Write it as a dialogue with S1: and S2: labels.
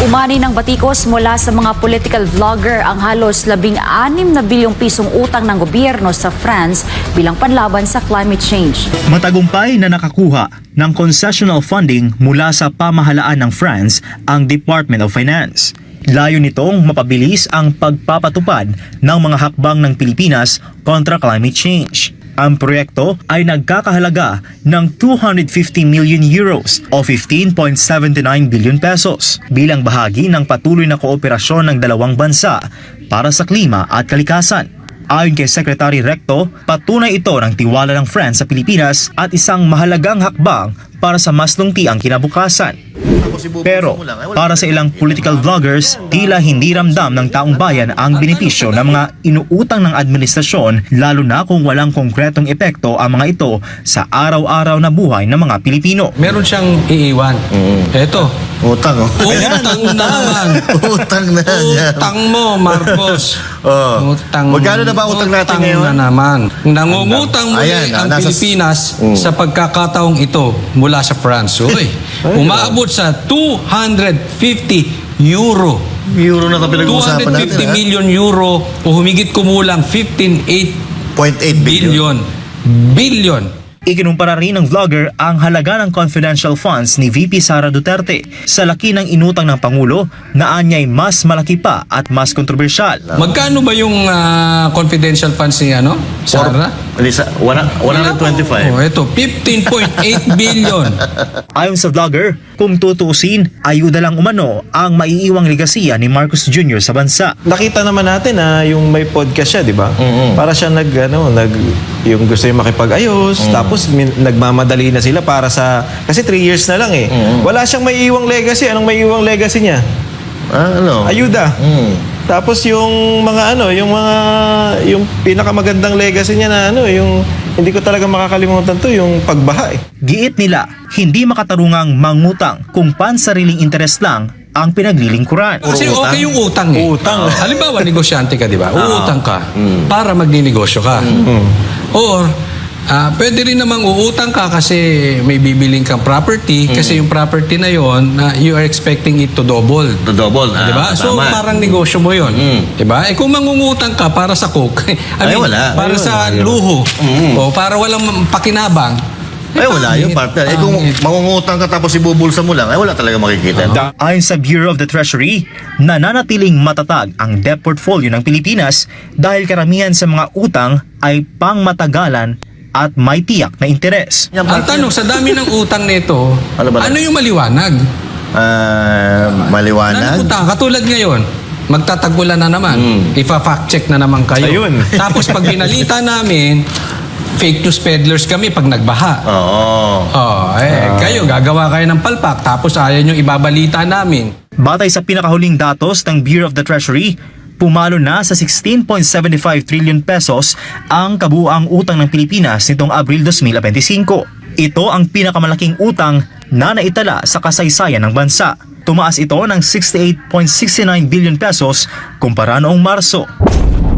S1: Umani ng batikos mula sa mga political vlogger ang halos 16 na bilyong pisong utang ng gobyerno sa France bilang panlaban sa climate change.
S2: Matagumpay na nakakuha ng concessional funding mula sa pamahalaan ng France ang Department of Finance. Layo nitong mapabilis ang pagpapatupad ng mga hakbang ng Pilipinas kontra climate change. Ang proyekto ay nagkakahalaga ng 250 million euros o 15.79 billion pesos bilang bahagi ng patuloy na kooperasyon ng dalawang bansa para sa klima at kalikasan. Ayon kay Secretary Recto, patunay ito ng tiwala ng France sa Pilipinas at isang mahalagang hakbang para sa mas lungtiang kinabukasan. Pero para sa ilang political vloggers, tila hindi ramdam ng taong bayan ang benepisyo ng mga inuutang ng administrasyon, lalo na kung walang konkretong epekto ang mga ito sa araw-araw na buhay ng mga Pilipino.
S3: Meron siyang iiwan. Eto.
S4: Utang, oh.
S3: Utang na naman.
S4: Utang na yan.
S3: Utang mo, Marcos.
S4: Oh. Magkano na ba utang natin ngayon?
S3: Utang na naman. Nangungutang muli
S4: Ayan,
S3: ang
S4: nasa-
S3: Pilipinas sa pagkakataong ito mula sa France. Uy, umaabot sa 250 euro.
S4: Euro na ito pinag-uusapan natin,
S3: 250 million euro o humigit kumulang 15.8
S4: 0.8 billion.
S3: billion.
S2: Ikinumpara rin ng vlogger ang halaga ng confidential funds ni VP Sara Duterte sa laki ng inutang ng Pangulo na anyay mas malaki pa at mas kontrobersyal.
S3: Magkano ba yung confidential funds ni Sara?
S4: Lisa, 125.
S3: Oh, ito, 15.8 billion.
S2: Ayon sa vlogger, kung tutuusin, ayuda lang umano ang maiiwang legasiya ni Marcos Jr. sa bansa.
S5: Nakita naman natin na yung may podcast siya, di ba? Para siya yung gusto yung makipag-ayos, tapos nagmamadali na sila para sa, kasi 3 years na lang eh. Wala siyang may iwang legacy. Anong may iwang legacy niya?
S4: Ano?
S5: Ayuda. Tapos yung yung pinakamagandang legacy niya na yung hindi ko talaga makakalimutan to, yung pagbaha eh.
S2: Giit nila, hindi makatarungang mangutang kung pansariling interes lang ang pinaglilingkuran.
S3: Kasi okay yung utang eh.
S5: Utang.
S3: Halimbawa, negosyante ka, di ba? Uutang ka para magninegosyo ka. Or, pwede rin namang uutang ka kasi may bibiling kang property kasi yung property na yon you are expecting it to double.
S4: To double.
S3: Diba? So
S4: Tama.
S3: parang negosyo mo yun. Diba? Eh kung mangungutang ka para sa coke,
S4: wala.
S3: para sa luho, o para walang pakinabang,
S4: Wala yung partner. Kung mangungutang ka tapos ibubulsa mo lang, wala talaga makikita. No?
S2: Ayon sa Bureau of the Treasury, nananatiling matatag ang debt portfolio ng Pilipinas dahil karamihan sa mga utang ay pangmatagalan at may tiyak na interes.
S3: ang tanong, sa dami ng utang nito,
S4: Ano ba?
S3: ano yung maliwanag?
S4: Maliwanag.
S3: Utang, katulad ngayon, magtatagulan na naman. Ifa-fact check na naman kayo.
S5: Ayun.
S3: Tapos pag binalita namin, fake news peddlers kami pag nagbaha.
S4: Oo.
S3: Kayo, gagawa kayo ng palpak, tapos ayaw nyo ibabalita namin.
S2: Batay sa pinakahuling datos ng Bureau of the Treasury, pumalo na sa 16.75 trillion pesos ang kabuuang utang ng Pilipinas nitong Abril 2025. Ito ang pinakamalaking utang na naitala sa kasaysayan ng bansa. Tumaas ito ng 68.69 billion pesos kumpara noong Marso.